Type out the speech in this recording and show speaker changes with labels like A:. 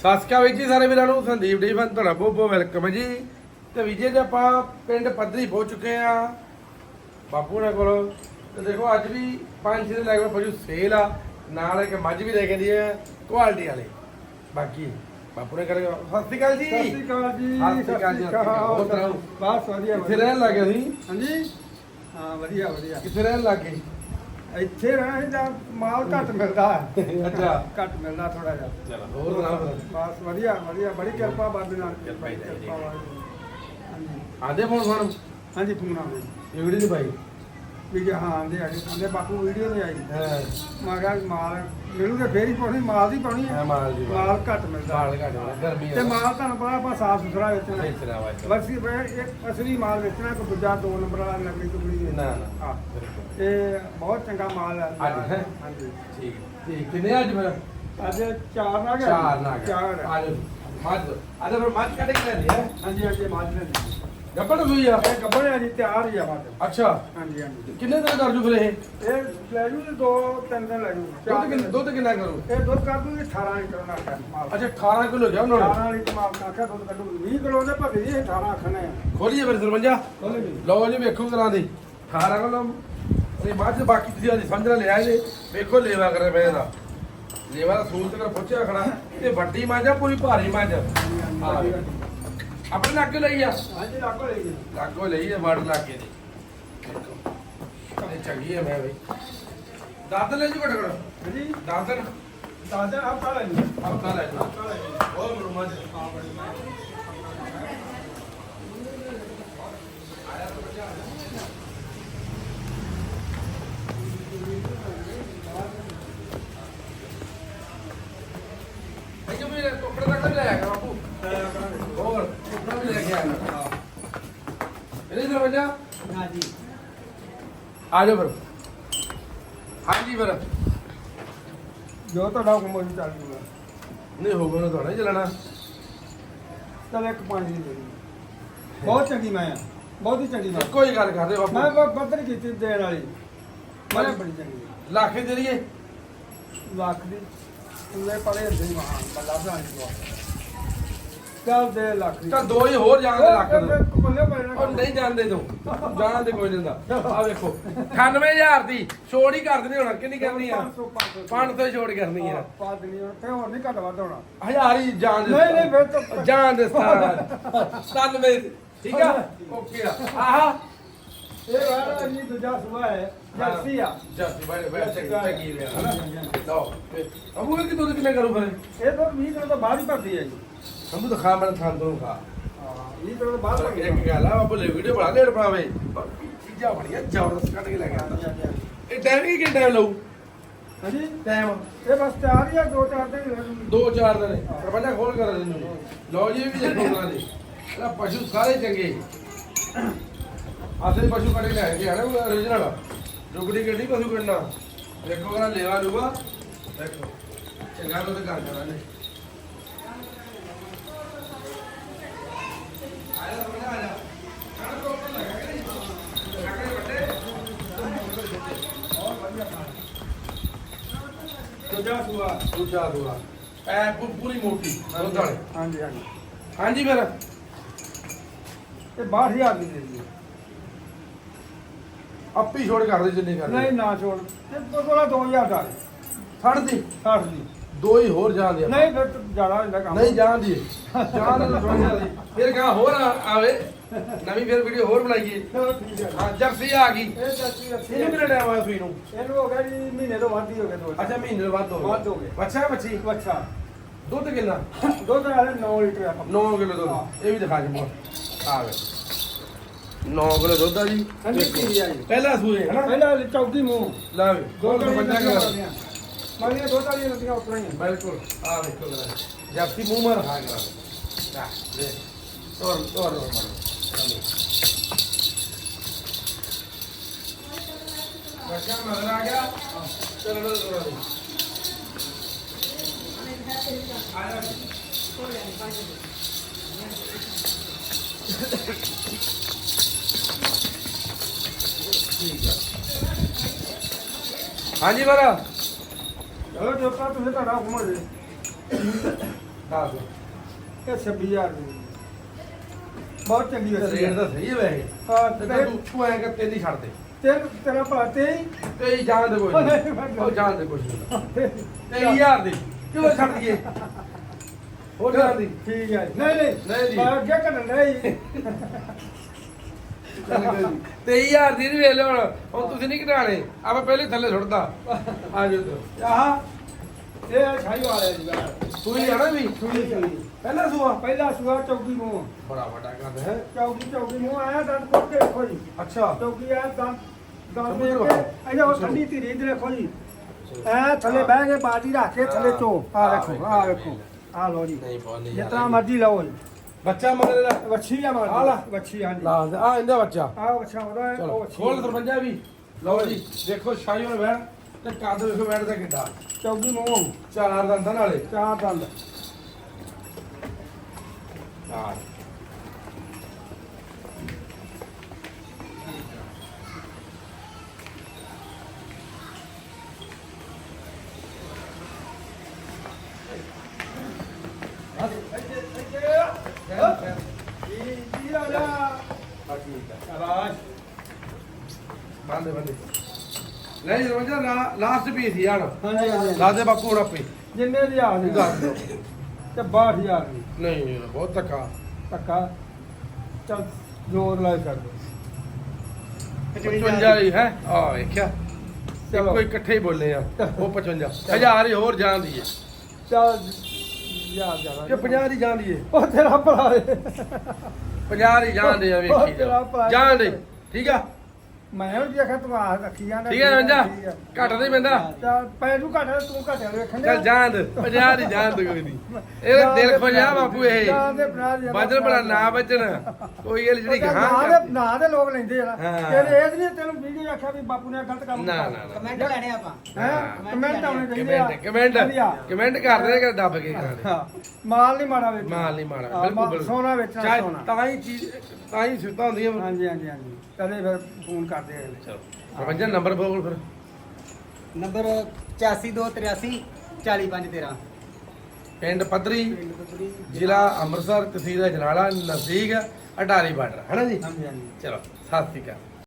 A: ਸਤਿ ਸ਼੍ਰੀ ਅਕਾਲ ਜੀ ਸਾਰੇ ਵੀਰਾਂ ਨੂੰ। ਸੰਦੀਪ ਡੀਫਨ ਤੁਹਾਡਾ ਬਹੁਤ ਬਹੁਤ ਵੈਲਕਮ ਹੈ ਜੀ। ਤੇ ਵਿਜੇ ਦੇ ਆਪਾਂ ਪਿੰਡ ਪੱਧਰੀ ਪਹੁੰਚ ਚੁੱਕੇ ਆ ਬਾਪੂ ਨੇ ਕੋਲ। ਤੇ ਦੇਖੋ ਅੱਜ ਵੀ 5-6 ਦੇ ਲੱਗ ਪਸ਼ੂ ਸੇਲ ਆ, ਨਾਲ ਇੱਕ ਮੱਝ ਵੀ ਲੈ ਕੇ ਦੀ ਹੈ ਕੁਆਲਿਟੀ ਵਾਲੇ। ਬਾਕੀ ਬਾਪੂ ਨੇ ਕਰੇਗਾ। ਸਤਿ ਸ਼੍ਰੀ ਅਕਾਲ ਜੀ।
B: ਸਤਿ ਸ਼੍ਰੀ ਅਕਾਲ ਜੀ।
A: ਸਤਿ ਸ਼੍ਰੀ ਅਕਾਲ ਜੀ। ਹੋਰ ਸੁਣਾਓ?
B: ਬਸ ਵਧੀਆ।
A: ਕਿੱਥੇ ਰਹਿਣ ਲੱਗੇ ਤੁਸੀਂ?
B: ਹਾਂਜੀ ਹਾਂ ਵਧੀਆ ਵਧੀਆ।
A: ਕਿੱਥੇ ਰਹਿਣ ਲੱਗੇ?
B: ਇੱਥੇ ਰਹਿਣਾ ਜਾਂ ਮਾਲ ਘੱਟ ਮਿਲਦਾ ਹੈ।
A: ਅੱਛਾ
B: ਘੱਟ ਮਿਲਦਾ ਥੋੜਾ ਜਿਹਾ।
A: ਚਲੋ ਹੋਰ ਸੁਣਾਓ।
B: ਬਸ ਵਧੀਆ ਵਧੀਆ, ਬੜੀ ਕਿਰਪਾ ਬਾਬੇ ਨਾਲ।
A: ਕਿਰਪਾ ਹੀ ਚਾਹੀਦੀ ਹੈ।
B: ਹਾਂਜੀ
A: ਆਦੇ ਫੋਨ ਫੋਨ
B: ਹਾਂਜੀ ਫੋਨ ਆ ਗਏ
A: ਇਹ ਵੀਡੀਓ ਨਹੀਂ ਪਾਈ
B: ਵੀ ਹਾਂ ਆਂਦੇ ਆ ਕਹਿੰਦੇ ਬਾਪੂ ਵੀਡੀਓ ਨਹੀਂ ਆਈ।
A: ਹਾਂ
B: ਮੈਂ ਕਿਹਾ ਮਾਲ ਮੈਨੂੰ ਤੇ ਫੇਰ ਹੀ ਪਾਉਣੀ, ਮਾਲ ਦੀ ਪਾਉਣੀ ਹੈ।
A: ਮਾਲ ਦੀ
B: ਮਾਲ ਘੱਟ ਮਿਲਦਾ।
A: ਮਾਲ ਘੱਟ ਹੋਣਾ, ਗਰਮੀ
B: ਤੇ ਮਾਲ ਤੁਹਾਨੂੰ ਪਤਾ ਆਪਾਂ ਸਾਫ ਸੁਥਰਾ ਵੇਚਣਾ।
A: ਵੇਚਣਾ ਵਾ
B: ਬਸ ਇੱਕ ਅਸਲੀ ਮਾਲ ਵੇਚਣਾ, ਕੋਈ ਦੂਜਾ 2 ਨੰਬਰ ਵਾਲਾ ਨਕਲੀ ਟੁਕੜੀ ਨਹੀਂ।
A: ਨਾ ਨਾ
B: ਹਾਂ
A: ਬਿਲਕੁਲ
B: ਤੇ ਬਹੁਤ ਚੰਗਾ ਮਾਲ ਹੈ।
A: ਅੱਜ ਹੈ?
B: ਹਾਂਜੀ
A: ਠੀਕ ਠੀਕ। ਕਿੰਨੇ ਅੱਜ ਮੇਰਾ
B: ਅੱਜ 4 ਨਾ ਗਿਆ।
A: ਚਾਰ ਨਾ ਗਿਆ।
B: 4
A: ਅੱਜ ਮੱਝ ਅੱਜ ਫਿਰ ਮੱਝ ਕੱਢ ਕੇ ਲੈਂਦੀ ਹੈ।
B: ਹਾਂਜੀ ਹਾਂਜੀ ਮਾਲ ਨੇ
A: ਗੱਬੜ ਹੋਈ ਆ।
B: ਇਹ ਗੱਬੜ ਹੈ ਜੀ, ਤਿਆਰ ਹੀ ਆ ਮਾਲ।
A: ਅੱਛਾ
B: ਹਾਂਜੀ ਹਾਂਜੀ
A: ਕਿੰਨੇ ਦਿਨ ਕਰ ਜੂ ਫਿਰ ਇਹ?
B: ਇਹ ਲੈ ਜੂ 2-3 ਦਿਨ ਲੈ ਜੂ।
A: ਦੁੱਧ ਕਿੰਨਾ ਕਰੂ?
B: ਇਹ ਦੁੱਧ ਕਰ ਦੂਗੀ 18 ਲੀਟਰ ਦਾ ਮਾਲ।
A: ਅੱਛਾ 18 ਕਿਲੋ ਗਿਆ ਉਹਨਾਂ ਨੇ।
B: 18 ਲੀਟਰ ਮਾਲ ਕਾਖਾ ਦੁੱਧ ਕੱਢੂ। 20 ਕਿਲੋ ਦੇ ਭੱਜੇ ਜੀ, 18 ਆਖਣੇ ਆ।
A: ਖੋਲੀਏ ਫਿਰ ਸਰਪੰਜਾ।
B: ਖੋਲ੍ਹੋ ਜੀ।
A: ਲਓ ਜੀ ਵੇਖੋ ਕਰਾਂ ਦੀ 18 ਕਿਲੋ ਇਹ ਮੱਝ। ਬਾਕੀ ਤੁਸੀਂ ਅੱਜ ਸਮਝ ਲਿਆ ਜੇ। ਵੇਖੋ ਲੇਵਾ ਕਰੇ ਮੈਂ ਇਹਦਾ ਲੇਵਾ ਦਾ ਸੂਲ ਤੱਕ ਪੁੱਛਿਆ ਖੜਾ। ਤੇ ਵੱਡੀ ਮੱਝ ਆ, ਪੂਰੀ ਭਾਰੀ ਮੱਝ ਆ। ਆਪਣੇ ਲਾਗੇ ਲਈ ਆ।
B: ਹਾਂਜੀ ਲਾਗੋ ਲੈ ਜੀ।
A: ਲਾਗੋ ਲਈ ਆ, ਵੜ ਲਾਗੇ ਦੀ। ਇਹ ਚੰਗੀ ਹੈ ਮੈਂ ਬਈ। ਦਾਦਨ ਲੈ ਜੂ ਘਟ ਘਟ
B: ਹਾਂਜੀ
A: ਦਾਦਨ
B: ਦਾਦਾ ਹਫਤਾ ਲੈ ਜੀ।
A: ਹਫਤਾ ਲੈ ਜੂ।
B: ਹਫਤਾ ਲੈ ਜੀ।
A: ਹੋਰ ਬਰੂ ਮੱਝ
B: ਹਾਂ ਬੜੀ ਮੈਂ
A: ਇਹ ਵੀ ਟੋਕਰੇ ਤੱਕ ਲੈ ਆਇਆ ਬਾਪੂ। ਹੋਰ ਟੋਕਰਾ ਵੀ ਲੈ ਕੇ ਆਇਆ। ਹਾਂ ਇਹਦੇ ਦਰਵਾਜ਼ਾ
B: ਹਾਂਜੀ
A: ਆ ਜਾਓ ਫਿਰ। ਹਾਂਜੀ ਫਿਰ
B: ਜੋ ਤੁਹਾਡਾ ਹੁਕਮ ਹੋਈ ਚੱਲ ਜੂਗਾ।
A: ਨਹੀਂ ਹੋਊਗਾ ਨਾ ਤੁਹਾਡਾ ਹੀ ਚੱਲਣਾ।
B: ਚਲ ਇੱਕ ਪਾਣੀ ਦੀ ਦੇ ਦਿਓ। ਬਹੁਤ ਚੰਗੀ ਮੈਂ ਆ, ਬਹੁਤ ਹੀ ਚੰਗੀ ਮੈਂ।
A: ਕੋਈ ਗੱਲ ਕਰਦੇ
B: ਮੈਂ
A: ਬਾਪੂ।
B: ਬੱਦਰ ਕੀਤੀ ਦੇਣ ਵਾਲੀ ਮੈਂ ਬੜੀ ਚੰਗੀ ਹੈ।
A: ਲੱਖ ਦੇ ਲਈਏ।
B: ਲੱਖ ਦੀ ਉਹਦੇ ਪਰੇ ਹੁੰਦੇ ਹੀ ਮਹਾਨ ਬੱਲਾ ਬਣਾ ਕੇ ਚੱਲ ਦੇ ਲੱਖ ਦੀ।
A: ਤਾਂ ਦੋ ਹੀ ਹੋਰ ਜਾਣ ਦੇ ਲੱਖ ਦੇ।
B: ਬੱਲੇ ਪਏ ਨਾ।
A: ਉਹ ਨਹੀਂ ਜਾਣਦੇ ਤੂੰ ਜਾਣ ਦੇ ਕੋਈ ਨਹੀਂ ਹੁੰਦਾ। ਆ ਵੇਖੋ 98000 ਦੀ ਛੋੜ ਹੀ ਕਰ ਦਿੰਦੇ ਹੁਣ। ਕਿੰਨੀ ਕਰਨੀ ਆ? 500 ਹੀ ਛੋੜ ਕਰਨੀ ਆ।
B: ਪਾ ਦੇਣੀ ਹੁਣ ਤੇ ਹੋਰ ਨਹੀਂ ਘੱਟ ਵੱਧ ਹੋਣਾ।
A: 1000 ਹੀ ਜਾਣ ਦੇ।
B: ਨਹੀਂ ਨਹੀਂ ਫਿਰ ਤਾਂ
A: ਜਾਣ ਦੇ 97 ਠੀਕ ਆ। ਓਕੇ ਆ। ਆਹਾ
B: ਇਹ ਵਾਲਾ ਨਹੀਂ ਦੂਜਾ ਸੁਆ ਹੈ ਜਰਸੀ ਆ।
A: ਜੱਸੀ ਬਾਈ ਬਾਈ ਚੰਗੀ ਰਿਹਾ ਹਨਾ। ਲਓ ਅਬੂ ਇਹ ਕਿ ਦੁੱਧ ਕਿੰਨੇ ਕਰੂ ਫਿਰ?
B: ਇਹ ਤਾਂ 20 ਦਿਨ ਤੋਂ ਬਾਅਦ ਹੀ ਭਰਦੀ ਹੈ ਜੀ।
A: ਹਮੂ ਤਾਂ ਖਾ ਮੈਂ ਥਾਂ ਤੋਂ ਖਾ।
B: ਹਾਂ 20 ਦਿਨ ਤੋਂ ਬਾਅਦ ਭਰਦੀ ਹੈ।
A: ਇੱਕ ਗੱਲ ਆ ਬਾਬੂ ਲੈ ਵੀਡੀਓ ਬਣਾ ਲੈਣ ਪਾਵੇ। ਚੀਜ਼ਾਂ ਬੜੀਆਂ ਜ਼ਬਰਦਸਤ ਕੱਢ ਕੇ ਲੈ ਗਿਆ।
B: ਹਾਂਜੀ ਹਾਂਜੀ ਹਾਂਜੀ।
A: ਇਹ ਟਾਈਮ ਹੀ ਕਿੰਨਾ ਟਾਈਮ ਲਊ?
B: ਹਾਂਜੀ
A: ਟਾਈਮ
B: ਇਹ ਬਸ ਤਿਆਰ ਹੀ ਆ 2-4 ਦਿਨ।
A: 2-4 ਦਿਨ ਪ੍ਰਬੰਧਕ ਖੋਲ ਕਰ ਦਿੰਦੇ। ਲਓ ਜੀ ਇਹ ਵੀ ਦੇਖੋ ਉਹਨਾਂ ਦੇ ਇਹਦਾ ਪਸ਼ੂ ਸਾਰੇ ਚੰਗੇ ਆਸੇ ਪਸ਼ੂ ਕੱਢ ਕੇ ਲੈ ਕੇ ਆਣਾ origignal ਰੁਗੜੀ ਗੱਡੀ ਪਸ਼ੂ ਕੱਢਣਾ। ਦੇਖੋ ਕਰਾ ਲੇਵਾ ਲੂਗਾ। ਦੇਖੋ ਚੰਗਾ ਦੁੱਧ ਕਰ ਕਰਾਂਗੇ। ਆਇਆ ਬਣਾ ਆਇਆ ਕਾਹ ਤੋਂ ਉੱਪਰ ਲਗਾ ਕੇ ਲੱਗੇ ਵੱਡੇ ਬਹੁਤ ਵਧੀਆ
B: ਦੂਜਾ ਸੁਆ।
A: ਦੂਜਾ ਦੂਆ ਐ ਪੂਰੀ ਮੋਟੀ ਦੁੱਧ ਵਾਲੇ।
B: ਹਾਂਜੀ ਹਾਂਜੀ
A: ਹਾਂਜੀ ਫਿਰ
B: ਇਹ 62000 ਦੀ ਦੇ ਦਿਓ।
A: ਆਪੀ ਛੋੜ ਕਰ ਦੇ ਜਿੰਨੀ ਕਰ
B: ਨਹੀਂ ਨਾ ਛੋੜ ਤੇ ਕੋਲਾ 2000 ਦਾ
A: ਛੱਡ ਦੀ
B: 60 ਦੀ।
A: ਦੋ ਹੀ ਹੋਰ ਜਾਣ ਦੇ।
B: ਨਹੀਂ ਫਿਰ ਜ਼ਿਆਦਾ ਹੁੰਦਾ ਕੰਮ।
A: ਨਹੀਂ ਜਾਣ ਦੀ ਜਾਣ ਦੇ ਥੋੜੀ ਜਿਆਦਾ ਫਿਰ ਕਹਾ ਹੋਰ ਆਵੇ ਨਵੀਂ ਫਿਰ ਵੀਡੀਓ ਹੋਰ ਬਣਾਈਏ।
B: ਚਲੋ ਠੀਕ ਹੈ।
A: ਹਾਂ ਜਰਸੀ ਆ ਗਈ।
B: ਇਹ ਜਰਸੀ ਅੱਛੀ
A: ਇਹਨੂੰ ਕਿੰਨਾ ਟਾਈਮ ਆਇਆ ਸੂਈ ਨੂੰ?
B: ਇਹਨੂੰ ਹੋ ਗਿਆ ਜੀ ਮਹੀਨੇ ਤੋਂ ਵੱਧ ਹੀ ਹੋ ਗਿਆ। ਦੋ
A: ਅੱਛਾ ਮਹੀਨੇ ਤੋਂ ਵੱਧ
B: ਵੱਧ ਹੋ ਗਏ।
A: ਅੱਛਾ ਬੱਚੀ
B: ਅੱਛਾ
A: ਦੁੱਧ ਕਿੰਨਾ?
B: ਦੁੱਧ ਵਾਲੇ 9 ਲੀਟਰ ਆ।
A: 9 ਕਿਲੋ ਦੁੱਧ। ਇਹ ਵੀ ਦਿਖਾ ਜੀ ਆ ਵੇ 9 ਕਿਲੋ ਦੁੱਧ ਆ ਜੀ।
B: ਹਾਂਜੀ ਕੀ ਆ ਜੀ।
A: ਪਹਿਲਾ ਸੂਏ ਹੈ ਨਾ।
B: ਪਹਿਲਾਂ ਚੌਕੀ ਮੂੰਹ
A: ਲੈ ਵੀ
B: ਦੋ
A: ਦੁੱਧ ਪੰਜਾ ਕਰ
B: ਮਾਲੀਆਂ ਦੋ ਤਾਲੀਆਂ ਨਦੀਆਂ ਉਤਰਾਂ ਹੀ ਆ।
A: ਬਿਲਕੁਲ ਆ ਵੇਖੋ ਜਰਾ ਜਰਸੀ ਮੂੰਹ ਮਾਰ ਖਾ ਕਰਾ ਦੇ ਤੋਰ ਮਾਰ ਬੱਚਾ ਮਗਰ ਆ ਗਿਆ। ਚਲੋ ਤੋਰਾ ਦੇ ਆਇਆ ਠੀਕ ਆ। ਹਾਂਜੀ ਮਾਰਾ
B: ਚਲੋ ਜੋ ਤਾਂ ਤੁਸੀਂ ਤੁਹਾਡਾ ਹੁਕਮ ਹੋ ਜੇ।
A: ਦੱਸ
B: ਇਹ 26000 ਦੀ ਬਹੁਤ ਚੰਗੀ
A: ਰੇਟ
B: ਵਸੀ
A: ਤਾਂ ਸਹੀ ਹੈ ਵੈਸੇ
B: ਹਾਂ
A: ਤੇ
B: ਤੇ
A: ਤੂੰ ਐਂ ਕਰ ਤੇਰੀ ਛੱਡ ਦੇ
B: ਤੇਰਾ ਭਰਾ ਤੇ
A: ਤੇ ਹੀ ਜਾਣ ਦੇ ਕੋਈ ਨਹੀਂ ਉਹ ਜਾਣ ਦੇ ਕੁਛ ਨਹੀਂ 23000 ਦੀ ਕਿਉਂ ਛੱਡ ਦਈਏ ਹੋਰ ਜਾਣ ਦੀ
B: ਠੀਕ ਹੈ ਨਹੀਂ ਨਹੀਂ
A: ਨਹੀਂ ਜੀ।
B: ਮੈਂ ਅੱਗੇ ਕਰਨ ਨਹੀਂ
A: 23000 ਦੀ ਨਹੀਂ ਵੇਖ ਲਿਓ ਹੁਣ ਤੁਸੀਂ ਨਹੀਂ ਘਟਾਣੇ ਆਪਾਂ ਪਹਿਲੇ ਥੱਲੇ ਸੁੱਟਦਾ ਆ ਜਾਓ ਤੂੰ
B: ਆਹ ਇਹ ਛਾਈ ਵਾਲੇ ਜੀ ਬਾਹਰ
A: ਸੂਈ ਜਾਣਾ ਵੀ
B: ਸੂਈ ਸੂਈ
A: ਪਹਿਲਾ ਸੂਆ
B: ਪਹਿਲਾ ਸੁਆ ਚੌਕੀ ਮੂੰਹ
A: ਬੜਾ ਵੱਡਾ ਕੰਮ ਹੈ
B: ਚੌਕੀ ਮੂੰਹ ਆਇਆ ਦੰਦ ਕੋਟ ਕੇ ਦੇਖੋ ਜੀ
A: ਅੱਛਾ
B: ਚੌਕੀ ਆ ਦੰਦ ਦੰਦ
A: ਸਮਝ
B: ਦੇ
A: ਲਓ।
B: ਕੇ ਇਹਦਾ ਉਹ ਠੰਡੀ ਧੀਰੀ ਇਧਰ ਦੇਖੋ ਜੀ ਐ ਥੱਲੇ ਬਹਿ ਕੇ ਬਾਜੀ ਰੱਖ ਕੇ ਥੱਲੇ ਚੋ ਆ ਵੇਖੋ ਆ ਵੇਖੋ ਆ ਲੋ ਜੀ
A: ਨਹੀਂ ਬਹੁਤ ਨਹੀਂ
B: ਜਿਤਨਾ ਮਰਜ਼ੀ ਲਓ ਜੀ
A: ਬੱਚਾ ਮਗਰ ਦਾ
B: ਵੱਛੀ ਆ ਮਾਰ
A: ਆ ਲਾ।
B: ਵੱਛੀ ਹਾਂ ਜੀ
A: ਲਾ ਦੇ ਆ ਇਹਦਾ ਬੱਚਾ
B: ਆ ਵੱਛਾ ਉਹਦਾ ਹੈ,
A: ਚਲੋ
B: ਉਹ ਵੱਛੀ
A: ਖੋਲ ਸਰਪੰਜਾ ਵੀ ਲਓ ਜੀ ਦੇਖੋ ਸ਼ਾਹੀ ਹੋਣ ਬੈਠ ਤੇ ਕੱਦ ਵੇਖੋ ਬੈਠ ਦਾ ਕਿੱਡਾ
B: ਚੌਕੀ ਮੂੰਹ
A: ਚਾਰ ਦੰਦਾਂ ਨਾਲੇ
B: ਚਾਰ ਦੰਦ
A: ਚਾਰ
B: ਜੀ ਰਾਜਾ
A: ਆ ਠੀਕ ਹੈ
B: ਆਵਾਜ਼
A: ਬੰਦੇ ਬੰਦੇ ਲੈ ਜੀ ਸਰਪੰਜਾ ਲਾਸਟ ਪੀਸ ਯਾਰ
B: ਹਾਂਜੀ ਹਾਂਜੀ
A: ਲਾ ਦੇ ਬਾਪੂ ਹੁਣ ਆਪੇ
B: ਜਿੰਨੇ ਦੀ ਆ
A: ਇਹ ਦੱਸ ਦਿਓ
B: ਤੇ 62000 ਦੀ
A: ਨਹੀਂ ਬਹੁਤ ਧੱਕਾ
B: ਧੱਕਾ ਚੱਲ ਜ਼ੋਰ ਲਾ ਕਰ ਦੋ
A: 55 ਹੀ ਹੈ ਆ ਵੇਖਿਆ
B: ਚਲੋ।
A: ਕੋਈ ਇਕੱਠੇ ਹੀ ਬੋਲੇ ਆ ਉਹ 55 ਹਜ਼ਾਰ ਹੀ ਹੋਰ ਜਾਂਦੀ ਹੈ
B: ਚੱਲ ਯਾਰ ਜਾਣਾ
A: ਕਿ 50 ਦੀ ਜਾਂਦੀ ਹੈ
B: ਉਹ ਤੇਰਾ ਭਰਾ ਹੈ
A: 50 ਦੀ ਜਾਂਦੇ ਆ ਵੇਖੀ ਜਾ ਜਾਂਦੇ ਠੀਕ ਆ
B: ਮੈਂ ਉਹ ਦੇਖਿਆ ਤੂੰ ਆ ਰੱਖੀ ਜਾਂਦਾ
A: ਠੀਕ ਹੈ ਰੰਜਾ ਘੱਟ ਨਹੀਂ ਪੈਂਦਾ
B: ਚੱਲ ਪੈ ਤੂੰ ਘੱਟ ਤੂੰ ਘੱਟ ਵੇਖਣ
A: ਚੱਲ ਜਾਂਦ 50 ਦੀ ਜਾਂਦ ਕੋਈ ਨਹੀਂ ਇਹ ਦਿਲ ਖੋਲਿਆ ਬਾਪੂ ਇਹ ਬਦਲ ਬੜਾ ਨਾ ਬਚਣ ਕੋਈ ਇਹ ਜਿਹੜੀ ਗਾਂ
B: ਨਾ ਦੇ ਲੋਕ ਲੈਂਦੇ ਆ
A: ਹਾਂ।
B: ਤੇਰੇ ਇਹ ਨਹੀਂ ਤੈਨੂੰ ਵੀਡੀਓ ਆਖਿਆ ਵੀ ਬਾਪੂ ਨੇ ਗਲਤ ਕੰਮ
A: ਨਾ,
B: ਕੀਤਾ।
A: ਨਾ, ਨਾ।
C: ਕਮੈਂਟ ਲੈਣੇ ਆਪਾਂ
B: ਹੈਂ? ਕਮੈਂਟ ਆਉਣੇ ਚਾਹੀਦੇ ਆ
A: ਕਮੈਂਟ ਕਰਦੇ ਕਿ ਦੱਬ ਕੇ ਕਰਾਂਗੇ
B: ਹਾਂ। ਮਾਲ ਨਹੀਂ ਮਾੜਾ ਵੇਚ
A: ਮਾਲ ਨਹੀਂ ਮਾੜਾ
B: ਹਾਂ,
A: ਬਿਲਕੁਲ ਬਿਲਕੁਲ
B: ਸੋਨਾ ਵੇਚਣਾ
A: ਚਾਹੇ
B: ਸੋਨਾ
A: ਤਾਂ ਹੀ ਚੀਜ਼ ਤਾਂ ਹੀ ਸੁੱਤਾ ਹੁੰਦੀਆਂ
B: ਹਾਂਜੀ ਹਾਂਜੀ ਹਾਂਜੀ ਕਦੇ ਫਿਰ ਫੋਨ ਕਰਦੇ ਆ ਅਗਲੇ।
A: ਚਲੋ ਸਰਪੰਜਾ ਨੰਬਰ ਬੋਲ ਫਿਰ
C: ਨੰਬਰ 8523 40513
A: ਪਿੰਡ ਪੱਧਰੀ ਜ਼ਿਲ੍ਹਾ ਅੰਮ੍ਰਿਤਸਰ ਤਹਿਸੀਲ ਅਜਨਾਲਾ ਨਜ਼ਦੀਕ ਅਟਾਰੀ ਬਾਰਡਰ ਹੈ ਨਾ ਜੀ
B: ਹਾਂਜੀ ਹਾਂਜੀ
A: ਚਲੋ ਸਤਿ ਸ਼੍ਰੀ ਅਕਾਲ